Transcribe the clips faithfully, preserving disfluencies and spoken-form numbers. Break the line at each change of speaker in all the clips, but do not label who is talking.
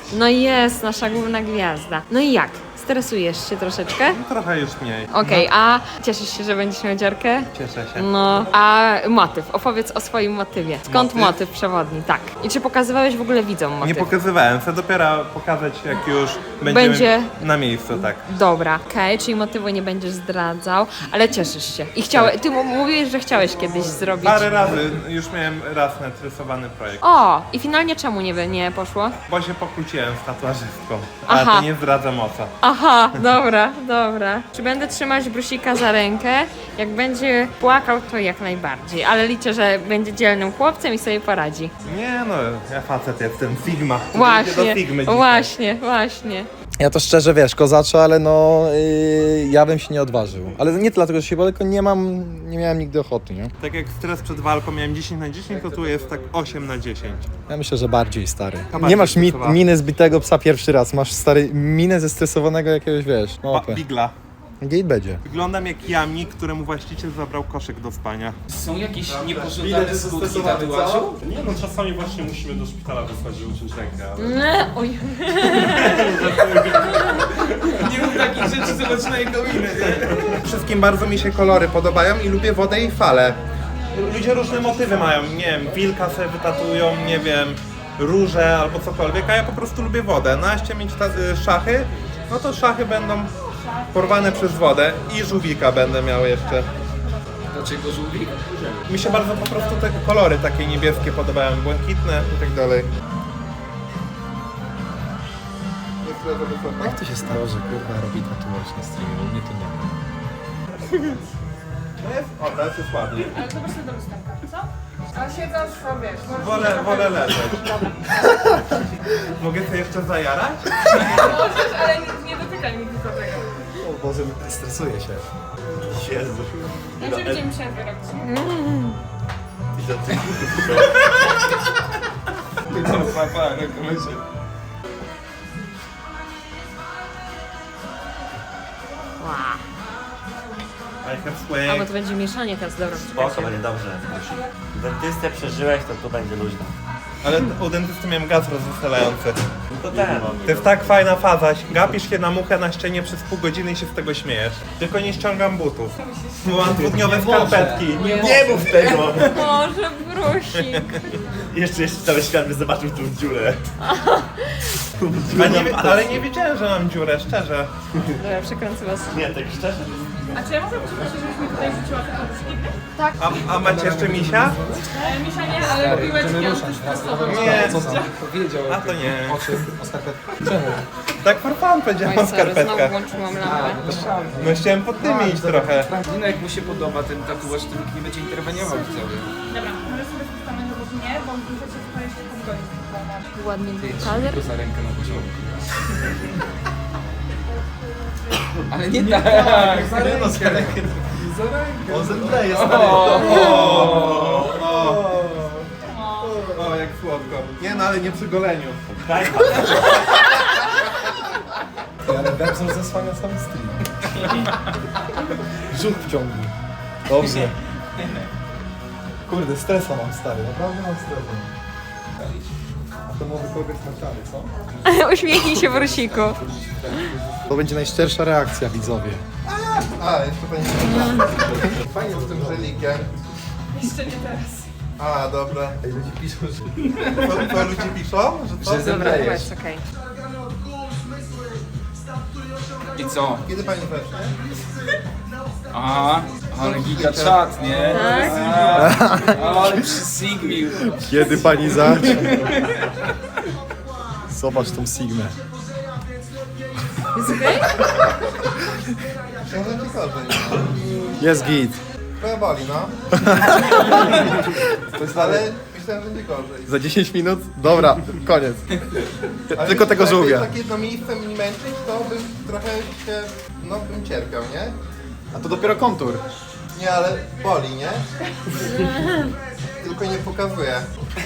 No jest, nasza główna gwiazda. No i jak? Stresujesz się troszeczkę?
Trochę już mniej.
Okej, okay, a cieszysz się, że będziesz miał dziarkę?
Cieszę się.
No, a motyw? Opowiedz o swoim motywie. Skąd
Motyw?
motyw przewodni? Tak. I czy pokazywałeś w ogóle widzom motyw?
Nie pokazywałem, chcę dopiero pokazać, jak już będziemy
Będzie-
na miejscu, tak.
Dobra, okej, czyli motywu nie będziesz zdradzał, ale cieszysz się. I chciałeś, ty mu- mówiłeś, że chciałeś kiedyś zrobić.
Parę razy, już miałem raz narysowany projekt.
O, i finalnie czemu nie, nie poszło?
Bo się pokłóciłem z tatuażystką, ale
Aha.
to nie zdradzam o co.
Aha, dobra, dobra. Czy będę trzymać Brusika za rękę? Jak będzie płakał, to jak najbardziej, ale liczę, że będzie dzielnym chłopcem i sobie poradzi.
Nie no, ja facet jestem, Sigma. Idę do
Właśnie,
Sigmy dzisiaj.
właśnie, właśnie.
Ja to szczerze, wiesz, kozaczo, ale no yy, ja bym się nie odważył. Ale nie dlatego, że się boję, tylko nie mam, nie miałem nigdy ochoty, nie?
Tak jak stres przed walką miałem dziesięć na dziesięć, to tu jest tak osiem na dziesięć.
Ja myślę, że bardziej stary.
bardziej
Nie masz mi,
stresowany.
miny zbitego psa pierwszy raz, masz stary minę zestresowanego jakiegoś, wiesz, no
Ba-
opę.
Bigla.
Gate będzie.
Wyglądam jak jamnik, któremu właściciel zabrał koszyk do spania.
Są jakieś niepożądane skutki tatuażu?
Nie no, czasami właśnie musimy do szpitala wysłać, żeby uciąć rękę, ale...
Nie, oj.
Nie mów takich rzeczy, zobacz na jego minę, nie?
Wszystkim bardzo mi się kolory podobają i lubię wodę i fale. Ludzie różne motywy mają, nie wiem, wilka sobie wytatują, nie wiem, róże albo cokolwiek, a ja po prostu lubię wodę. No a jeśli mieć ta, y, szachy, no to szachy będą porwane przez wodę i żółwika będę miał jeszcze.
Dlaczego żółwik?
Mi się bardzo po prostu te kolory takie niebieskie podobają, błękitne i tak dalej.
Jak to się stało, że kurwa robi tatuaż na streamie? U mnie to nie ma.
No jest, o, teraz jest ładnie.
Ale zobacz sobie do lusterka, co? A siedząc sobie, wiesz,
Wolę, wolę leżeć. Mogę sobie jeszcze zajarać?
możesz, ale nie, nie dotykaj mi tylko tego.
O Boże, stresuję się.
Jezu.
Ja się będziemy przerwę robić.
Wow.
I have
A,
sway.
bo to będzie mieszanie teraz, dobra.
Spoko, będzie dobrze. Dentystę przeżyłeś, to tu będzie luźno.
Ale u dentysty miałem gaz rozweselający.
No to ten.
To jest tak fajna faza. Gapisz się na muchę na ścianie przez pół godziny i się z tego śmiejesz. Tylko nie ściągam butów. Bo mam dwudniowe skarpetki.
Nie mów tego!
Boże, Brusik.
Jeszcze, jeszcze cały świat by zobaczył tą dziurę.
A nie, ale nie wiedziałem, że mam dziurę, szczerze.
Dobra, przekręcę was.
Nie, tak szczerze?
A czy ja mogę prosić, żebyś mi tutaj rzuciła te poduszki?
A, a macie jeszcze misia?
E, Misia nie, ale piłeczki antystresowe.
Nie.
Powiedział
A to nie.
o czym? O skarpetce. Czemu?
Tak for fun powiedziałem o
Oj, sorry, znowu
skarpetkach.
włączyłam lampę.
No chciałem pod tym iść trochę.
No jak mu się podoba ten tatuaż, to nikt nie będzie interweniował widzowie.
Dobra, może sobie spustamy do boku nie, bo muszę się tutaj jeszcze podgodzić.
Ładnie
Ty,
był
trzymaj
kaler.
go za rękę na początku. Ale nie tak! Za rękę! Za rękę!
On zemdleje,
O, jak słodko. Nie no, ale nie przy goleniu.
Tak,
Ale Bebzor zasłania cały stream. Żółt wciągnij. Dobrze. Kurde, stresa mam stary, naprawdę mam stresa. A to może kogoś na czary, co?
Uśmiechnij się, Brusiku.
To będzie najszczersza reakcja, widzowie.
A, jeszcze pani fajnie z tym żelikiem.
Jeszcze nie teraz.
A, dobra.
Ej, ludzie piszą, że...
Co, co ludzie piszą? Że co?
Że
Dobra,
zemdlejesz.
chyba jest okej.
I co?
Kiedy pani wecznie?
Aha, ale giga czat, nie?
Tak?
A, ale przysigmił.
Kiedy pani zacznie? Zobacz tą Sigmę.
Jest okej?
Myślałem, że ci gorzej.
Jest git.
Trochę boli, no. Ale myślałem, że nie gorzej.
Za dziesięć minut? Dobra, koniec.
Ale
Tylko tego
jakby
żółwia.
tak jedno miejsce mi męczyć, to bym trochę się, no bym cierpiał, nie?
A to dopiero kontur.
Nie, ale boli, nie? Tylko nie pokazuje.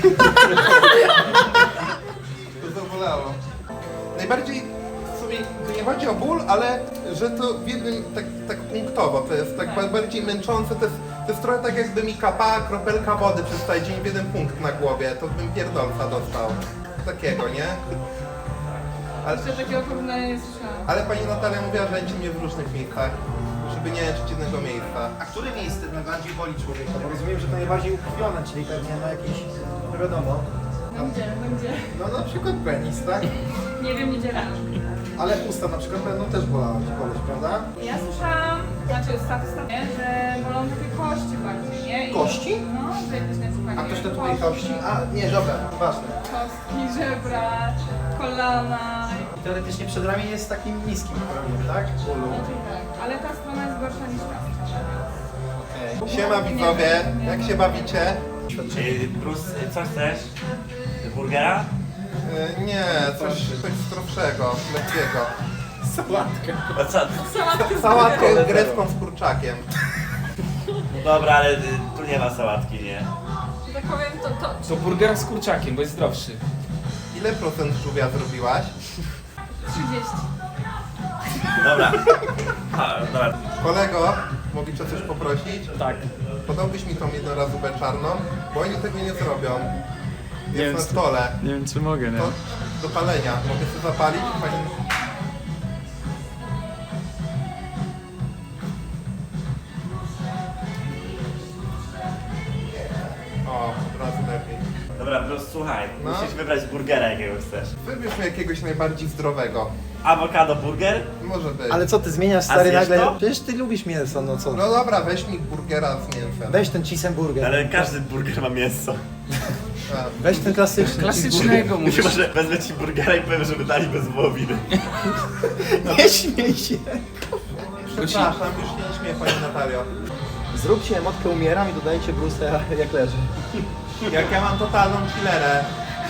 To zabolało. Najbardziej w sumie to nie chodzi o ból, ale że to w jednym tak, tak punktowo, to jest tak bardziej męczące, to jest, to jest trochę tak jakby mi kapała kropelka wody przez cały dzień w jeden punkt na głowie, to bym pierdolca dostał. Takiego, nie? Ale,
Jeszcze takiego porównania nie słyszałam.
ale pani Natalia mówiła, że leci mnie w różnych miejscach, żeby nie leczyć jednego miejsca.
A które miejsce najbardziej boli człowieka? Bo rozumiem, że to najbardziej ukrwione, czyli pewnie na jakieś, no wiadomo.
Będzie, będzie.
No na przykład penis, tak?
Nie wiem, nie dzielę.
Ale usta na przykład będą też bolać, boleć, prawda?
Ja słyszałam, znaczy statystycznie, nie, że bolą takie kości bardziej, nie? I,
Kości?
No, że jakieś nazywanie.
A ktoś tatuuje kości? A, nie, żebra, ważne.
Kostki, żebra, kolana.
Teoretycznie przedramię jest takim niskim promieniem, tak? Bólu.
Znaczy tak, ale ta strona jest gorsza niż ta strona.
Okej.
Siema widzowie, jak się bawicie?
Czy Bruce, co chcesz? Burgera?
Yy, nie, coś, coś zdrowszego, lekkiego.
Sałatkę.
No co?
Sałatkę grecką z kurczakiem.
No dobra, ale y, tu nie ma sałatki, nie?
Że tak powiem, to, to
To burger z kurczakiem, bo jest zdrowszy.
Ile procent żółwia zrobiłaś?
trzydzieści.
Dobra. A, dobra.
Kolego, mogę cię o coś poprosić?
Tak.
Podałbyś mi tą jednorazówkę czarną, bo oni tego nie zrobią. Jest
wiem,
na
czy-
stole.
Nie wiem czy mogę, nie?
To do palenia. Mogę sobie zapalić? Pani... O, od razu lepiej.
Dobra, Bruce, słuchaj.
No.
Musisz wybrać burgera, jakiego chcesz.
Wybierz mi jakiegoś najbardziej zdrowego.
Awokado burger?
Może być.
Ale co ty zmieniasz, stary,
zjesz
nagle?
to?
Przecież ty lubisz mięso, no co?
No dobra, weź mi burgera z mięsem.
Weź ten cheeseburger.
Ale każdy burger ma mięso.
A,
Weź ten klasyczny
Klasycznego mówisz.
Chyba, że wezmę ci burgera i powiem, żeby dali bez wołowiny.
cheeseburger. Nie śmiej się.
Przepraszam, już nie śmieję pani Natalio.
Zróbcie emotkę umieram i dodajcie Bruce'a jak leży.
Jak ja mam totalną killerę,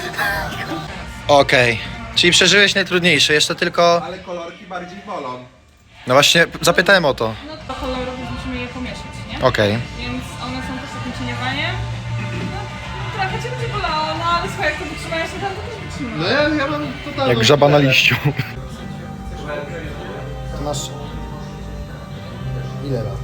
Okej, czyli przeżyłeś najtrudniejsze, jeszcze tylko...
ale kolorki bardziej bolą.
No właśnie, zapytałem o to.
No to kolorów musimy je pomieszać, nie?
Okej.
Więc one są też takim cieniowaniem. No, trochę cię będzie bolało, no ale słuchaj, jak to wytrzymałeś, to tam to też wytrzymasz.
No ja, ja mam totalną
Jak żaba na
killerę.
liściu.
To masz... Ile lat?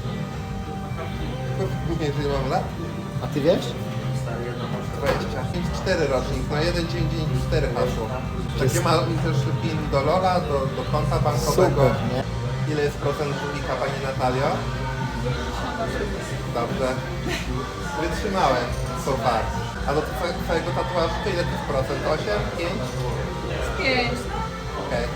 Nie, że mam lat?
A ty wiesz?
dwadzieścia pięć, cztery rocznik, no jeden dzień, dzień, cztery hasło. Takie ma też pin do Lola, do, do konta bankowego.
Super, nie?
Ile jest procent żółwika, pani Natalio? Dobrze. Wytrzymałem, so far. A do twoje- twojego tatuażu to ile to jest procent? osiem? pięć?
Pięć.
Okej.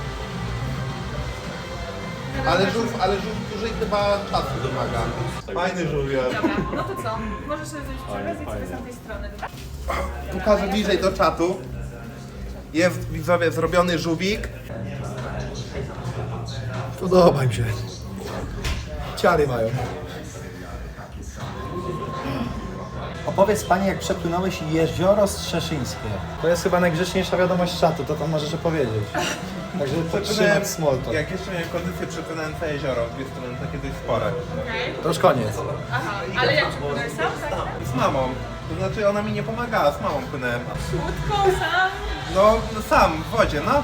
Ale żółw, ale żółw dłużej chyba czasu wymaga. Fajny żółwior.
Dobra, no to co? Możesz sobie zrobić przekaz i sobie z tamtej strony, dobra?
Pokażę bliżej do czatu. Jest, widzowie, zrobiony żółwik.
Podoba mi się. Ciary mają. Opowiedz pani, jak przepłynąłeś jezioro Strzeszyńskie. To jest chyba najgrzeczniejsza wiadomość czatu, to tam możesz opowiedzieć. Także podtrzymać small talk.
Jak jeszcze miałem kondycję, przepłynąłem całe jezioro. Dwie strony takie dość spore.
Okej.
To już koniec.
Aha, ale jak przepłynąłeś sam, tak?
Z mamą. To znaczy ona mi nie pomagała, z mamą płynąłem.
Łódką sam?
No, no sam, w wodzie, no.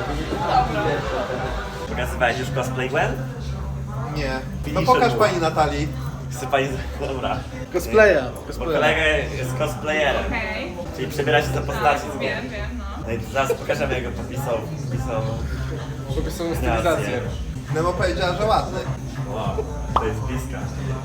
Pokazywałeś już cosplay Gwen?
Nie. No
Finisher
pokaż
był.
pani Natalii.
Chce pani... Dobra.
Cosplaya.
Bo kolega jest cosplayerem.
Okej.
Czyli przebiera się za postaci z Gwen.
Wiem, wiem, no.
No i zaraz pokażemy, jak go popisał. Popisał...
Żeby są
Stylizację.
stylizację.
Nemo powiedziała, że ładny.
Wow, to jest bliska.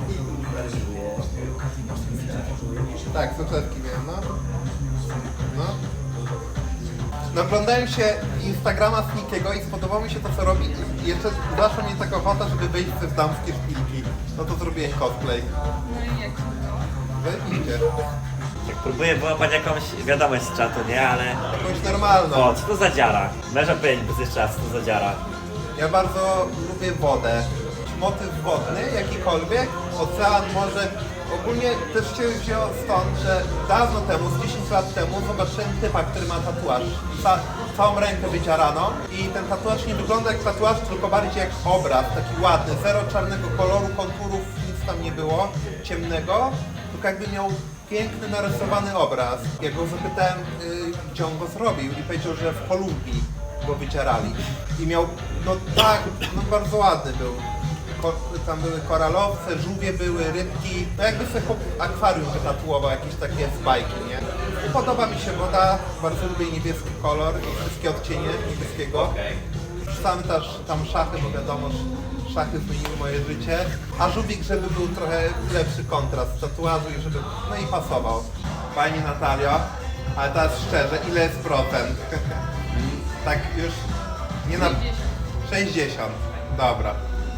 Tak, soczewki miałem, no. No. No oglądałem się Instagrama Snickiego i spodobało mi się to, co robi. I jeszcze zaszła mnie taka ochota, żeby wyjść w damskie szpilki. No to zrobiłem cosplay.
No i jak?
Wyjdzie.
Tak próbuję wyłapać jakąś wiadomość z czatu, nie? Ale...
Jakąś normalną.
O, co to za dziara? Męża powiedzieć bez jeszcze raz, co to za dziara.
Ja bardzo lubię wodę. Motyw wodny, jakikolwiek, ocean, morze. Ogólnie też się wzięło stąd, że dawno temu, z dziesięć lat temu, zobaczyłem typa, który ma tatuaż. Ca całą rękę wydzieraną i ten tatuaż nie wygląda jak tatuaż, tylko bardziej jak obraz, taki ładny, zero czarnego koloru, konturów, nic tam nie było, ciemnego, tylko jakby miał piękny, narysowany obraz. Ja go zapytałem, yy, gdzie on go zrobił i powiedział, że w Kolumbii go wydzierali. I miał, no tak, no bardzo ładny był. Ko tam były koralowce, żółwie były, rybki. No jakby sobie chłop akwarium wytatuował, jakieś takie z bajki, nie? Podoba mi się woda, bardzo lubię niebieski kolor i wszystkie odcienie niebieskiego. Sam też tam szachy, bo wiadomo, że szachy zmieniły moje życie. A żółwik, żeby był trochę lepszy kontrast tatuażu i żeby, no i pasował. Pani Natalio, ale teraz szczerze, ile jest procent? Tak już nie na... sześćdziesiąt. Dobra.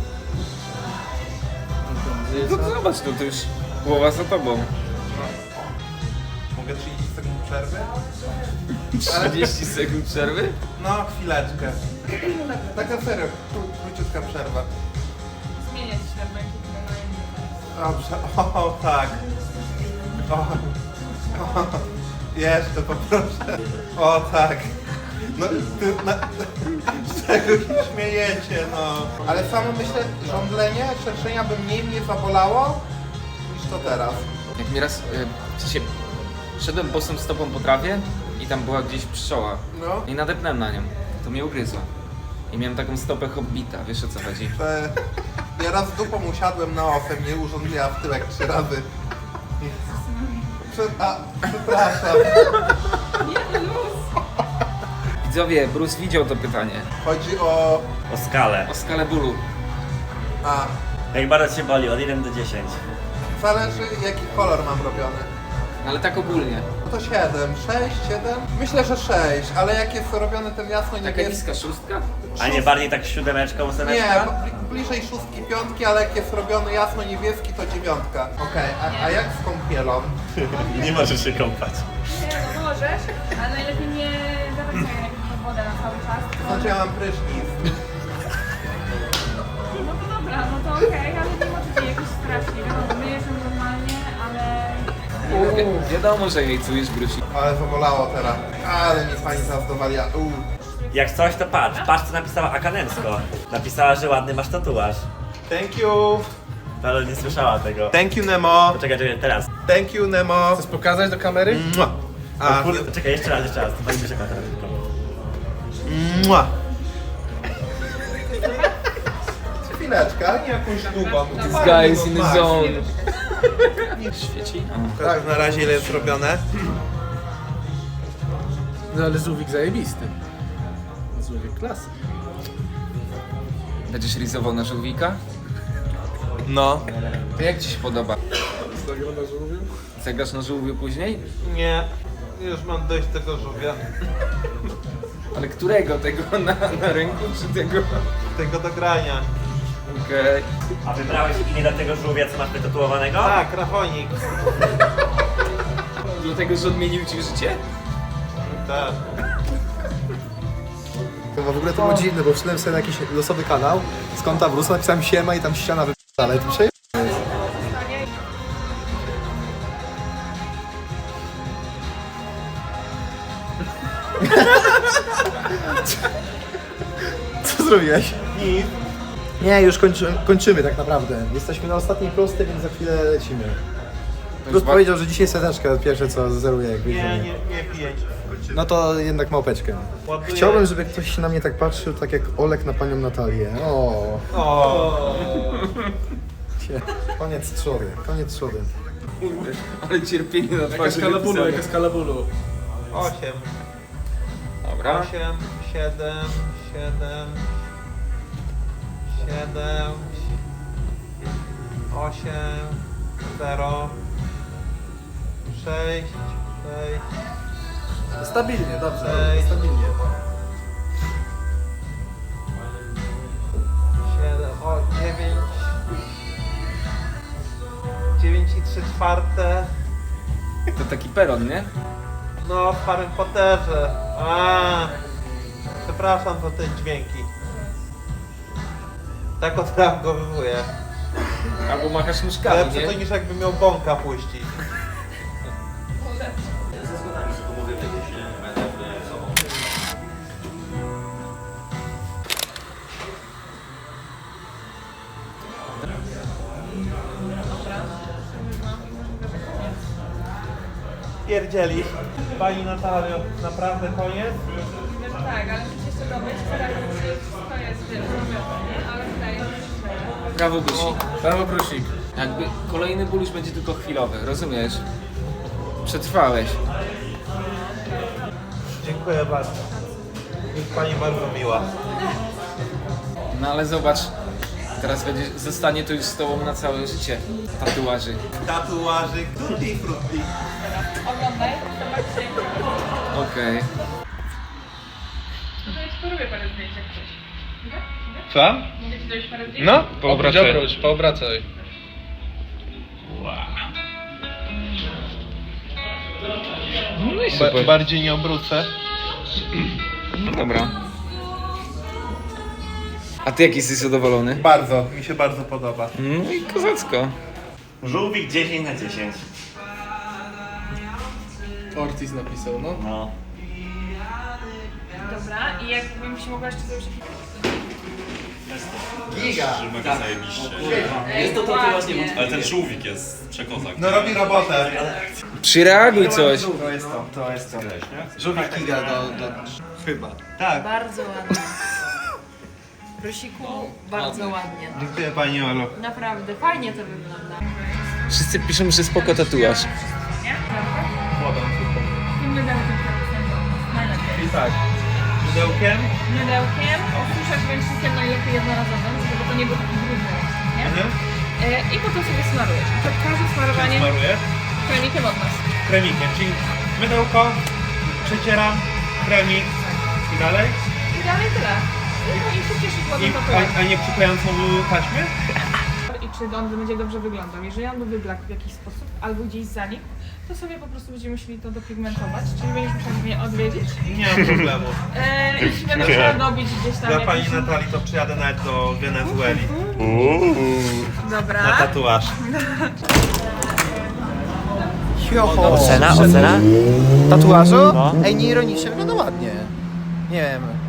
No to zobacz, no to już głowa za tobą.
Mogę trzydzieści sekund przerwy?
trzydzieści sekund przerwy?
No, chwileczkę. Taka serio, kró- króciutka przerwa.
Zmieniać się na inny.
Dobrze, o tak. O, o, jeszcze poproszę. O tak. No, ty, na, z czego się śmiejecie, no. Ale samo myślę, żądlenie, szerszenia by mniej mnie zabolało niż to teraz.
Jak mi raz, y, w sensie, szedłem bosą stopą po trawie i tam była gdzieś pszczoła.
No.
I nadepnąłem na nią. To mnie ugryzło. I miałem taką stopę hobbita, wiesz o co chodzi?
Że ja raz dupą usiadłem na osem, nie urządliła w tyłek trzy razy. Prze- a, przepraszam.
Nie, luz!
Widzowie, Bruce widział to pytanie.
Chodzi o...
O skalę.
O skalę bólu.
A,
Jak bardzo cię boli, od jeden do dziesięciu.
zależy jaki kolor mam robiony.
Ale tak ogólnie.
No to siedem, sześć, siedem? Myślę, że sześć, ale jak jest robiony ten jasno
Taka
niebieski...
niska szóstka?
A nie bardziej tak siódemeczką,
Nie,
ósemeczka?
bo bli- bliżej szóstki, piątki, ale jak jest robiony jasno niebieski, to dziewiątka. Okej, a, a jak z kąpielą?
Nie możesz się kąpać.
Nie, no możesz, ale najlepiej nie dawać sobie jakąś wodę na cały czas.
To znaczy ja mam prysznic.
No to dobra, no to okej, ale nie możecie jakoś strasznie. Wiadomo, myjesz ją normalnie, ale...
Wi- wiadomo, że jej czujesz, Bruce.
Ale zabolało teraz. Ale mi pani zaraz dowalia. Uuu.
Jak coś, to patrz. Patrz, co napisała Akanemsko. Napisała, że ładny masz tatuaż.
Thank you.
Ale nie słyszała tego.
Thank you, Nemo.
Poczekaj, czekaj, teraz.
Thank you, Nemo.
Chcesz pokazać do kamery?
Mua.
A,
A,
kurde, czekaj, jeszcze raz, jeszcze raz. To pani czeka teraz.
mua. Chwileczkę, ale nie jakąś długą.
This guy is in the zone. Świeci?
Tak, na razie ile jest robione.
No ale żółwik zajebisty. Żółwik klasy.
Będziesz rizował na żółwika?
No.
To jak ci się podoba?
Zagra na żółwiu?
Zagrasz na żółwiu później?
Nie. Już mam dość tego żółwia.
Ale którego? Tego na, na ręku czy tego?
Tego do grania.
Okej.
A wybrałeś imię dla tego żółwia, co masz wytatuowanego?
Tak, Rafonik.
Dlatego, że odmienił ci życie?
Tak.
To w ogóle to było dziwne, bo wszedłem sobie na jakiś losowy kanał z konta Bruce'a, napisałem siema i tam ściana wyp***ale. To przeje... Co zrobiłeś?
Nic.
Nie, już kończy, kończymy tak naprawdę. Jesteśmy na ostatniej prostej, więc za chwilę lecimy. Bruce powiedział, że dzisiaj seteczkę pierwsze co zeruje jak
Nie,
wyjdziemy.
nie, nie piję.
No to jednak małpeczkę.
Ładuję.
Chciałbym, żeby ktoś się na mnie tak patrzył, tak jak Olek na panią Natalię. O.
O.
Cie. Koniec trzody, trzody, trzody.
Ale cierpienie na
Jaka
twarzy
skala bólu,
wypisane.
jaka skala bólu.
Osiem.
Dobra.
Osiem, siedem, siedem, siedem, osiem, zero, sześć, sześć,
Stabilnie, dobrze,
Ej.
stabilnie.
siedem, o, dziewięć, dziewięć i trzy czwarte.
To taki peron, nie?
No, w Harry Potterze. A, przepraszam za te dźwięki. Tak odreagowuję.
Albo machasz nóżkami,
Lepsze
nie?
to niż jakby miał bąka puścić. Pierdzieli. Pani Natalio, naprawdę koniec?
Wiesz, tak, ale musisz jeszcze dobyć, teraz wszystko jest, wiesz, zrobione, nie? Ale tutaj jest...
Brawo, Brusik.
Brawo, Brusik.
Jakby kolejny ból już będzie tylko chwilowy, rozumiesz? Przetrwałeś.
Dziękuję bardzo. Jest pani bardzo miła.
No ale zobacz, teraz będzie, zostanie to już z tobą na całe życie. Tatuaży.
Tatuażyk, tutti frutti.
Oglądaj, zobaczcie.
Okej.
No to ja ci porobię parę zdjęć jak coś. Mogę? Mogę?
Co?
Mogę ci zrobić parę zdjęć?
No,
Obróć, poobracaj.
No i super.
bardziej nie obrócę.
No dobra. A ty jaki jesteś zadowolony?
Bardzo, mi się bardzo podoba.
No i kozacko.
Żółwik dziesięć na dziesięć.
Ortiz napisał, no.
No.
Dobra, i jakbym się mogła jeszcze zrobić
Giga!
Mega zajebiście.
Jest to tatuaż nie
Ale ten żółwik jest przekozak.
No robi robotę.
Przyreaguj coś.
To jest to, to jest to. Żółwik Giga do, do... Chyba.
Tak.
Bardzo ładnie. Brosiku, bardzo ładnie.
Dziękuję pani Olu.
Naprawdę, fajnie to wygląda.
Wszyscy piszą, że spoko tatuaż.
Wodą super.
tym mydełkiem, najlepiej.
I tak. Mydełkiem?
Mydełkiem, osuszać ręcznikiem najlepiej jednorazowym, żeby to nie był taki brudny, nie?
Mhm.
E, I potem sobie smarujesz. I przed każdym smarowaniem
Smaruję.
kremikiem od nas.
Kremikiem, czyli mydełko, przecieram, kremik i dalej.
I dalej tyle. I, i się cieszysz
I,
ładną
a,
tatuażem.
a nie przyklejającą taśmę?
I czy on będzie dobrze wyglądał. Jeżeli on by wyblakł w jakiś sposób, albo gdzieś zanikł, to sobie po prostu będziemy musieli to dopigmentować, czyli będziesz musiał mnie odwiedzić.
Nie mam problemu.
E, I będę musiała dobić gdzieś tam
Dla
jakiś...
pani Natalii to przyjadę nawet do Wenezueli.
Dobra.
Na tatuaż.
Joho!
Ocena, ocena?
Tatuażu?
No.
Ej, nie ironicznie, wygląda ładnie. Nie wiem,